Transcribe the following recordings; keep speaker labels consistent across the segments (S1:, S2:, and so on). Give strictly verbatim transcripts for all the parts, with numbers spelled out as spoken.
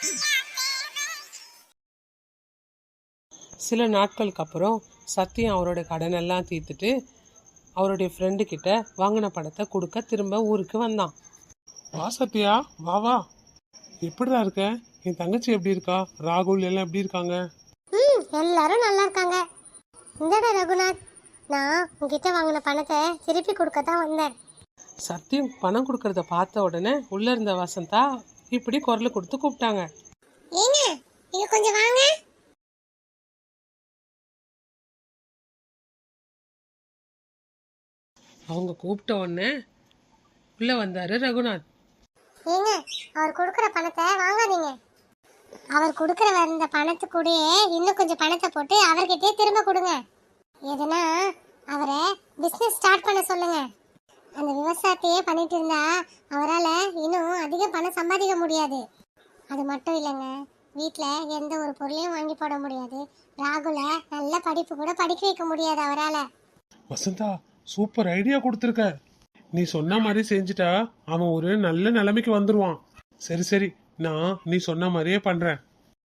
S1: சில நாட்களுக்கு அப்புறம் சத்யம் அவரோட கடனெல்லாம் தீர்த்துட்டு அவருடைய ஃப்ரெண்டு கிட்ட வாங்கின பணத்தை கொடுக்க திரும்ப ஊருக்கு வந்தான்.
S2: வா சத்யா, வா வா. எப்படிடா இருக்க? என் தங்கச்சி எப்படி இருக்கா? ராகுல் எல்லாம் எப்படி இருக்காங்க?
S3: ம் எல்லாரும் நல்லா இருக்காங்க. இந்தடா ரகுநாத், நான் உங்ககிட்ட வாங்கின பணத்தை திருப்பி கொடுக்க தான் வந்தேன்.
S1: சத்யம் பணம் கொடுக்கறத பார்த்த உடனே உள்ள இருந்த வசந்தா இப்படி குரல் கொடுத்து கூப்பிட்டாங்க.
S3: ஏங்க இங்க கொஞ்சம் வாங்க.
S1: அவங்க கூப்பிட்ட உடனே உள்ள வந்தாரு ரகுநாத்.
S3: ஏங்க அவர் கொடுக்குற பணத்தை வாங்காதீங்க. அவர் கொடுக்குற வந்த பணத்துக்கூடயே இன்னும் கொஞ்சம் பணத்தை போட்டு அவர்கிட்டயே திரும்ப கொடுங்க. எதுனா அவரை பிஸ்னஸ் ஸ்டார்ட் பண்ண சொல்லுங்க. அந்த விவசாயத்தையே பண்ணிட்டு இருந்தா அவரால் இன்னும் அதிக பணம் சம்பாதிக்க முடியாது. அது மட்டும் இல்லைங்க, வீட்டில் எந்த ஒரு பொருளையும் வாங்கி போட முடியாது. ராகுலை நல்ல படிப்பு கூட படிக்க வைக்க முடியாது அவரால்.
S2: வசந்தா, சூப்பர் ஐடியா கொடுத்துருக்க. நீ சொன்ன மாதிரி செஞ்சுட்டா அவன் ஒரு நல்ல நிலைமைக்கு வந்துருவான். சரி சரி, நான் நீ சொன்ன மாதிரியே பண்றேன்.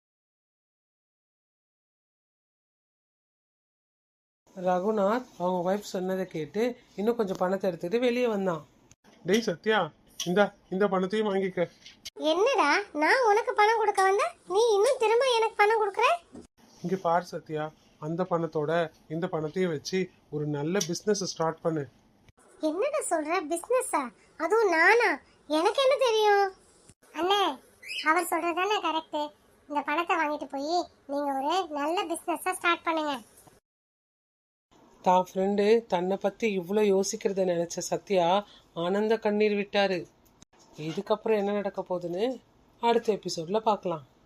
S1: ரகுநாத் அவங்க ஒய்ஃப் சொன்னதை கேட்டு இன்னும் கொஞ்சம் பணத்தை எடுத்துட்டு வெளியே வந்தான்.
S2: டேய் சத்யா, இந்த இந்த பணத்தையும் வாங்கிக்க.
S3: என்னடா நான் உனக்கு பணம் கொடுக்க வந்தேன், நீ இன்னும் திரும்ப எனக்கு பணம் கொடுக்குற?
S2: இங்க பாரு சத்யா, அந்த பணத்தோட இந்த பணத்தையும் வச்சு ஒரு நல்ல பிசினஸ் ஸ்டார்ட் பண்ணு.
S3: என்னடா சொல்ற? பிசினஸா? அதுவும் நானா? எனக்கு என்ன தெரியும்? அண்ணே, அவர் சொல்றதானே கரெக்ட். இந்த பணத்தை வாங்கிட்டு போய் நீங்க ஒரு நல்ல பிசினஸா ஸ்டார்ட் பண்ணுங்க.
S1: தான் ஃப்ரெண்டு தன்னை பற்றி இவ்வளோ யோசிக்கிறத நினச்ச சத்யா ஆனந்த கண்ணீர் விட்டாரு. இதுக்கப்புறம் என்ன நடக்க போகுதுன்னு அடுத்த எபிசோடில் பார்க்கலாம்.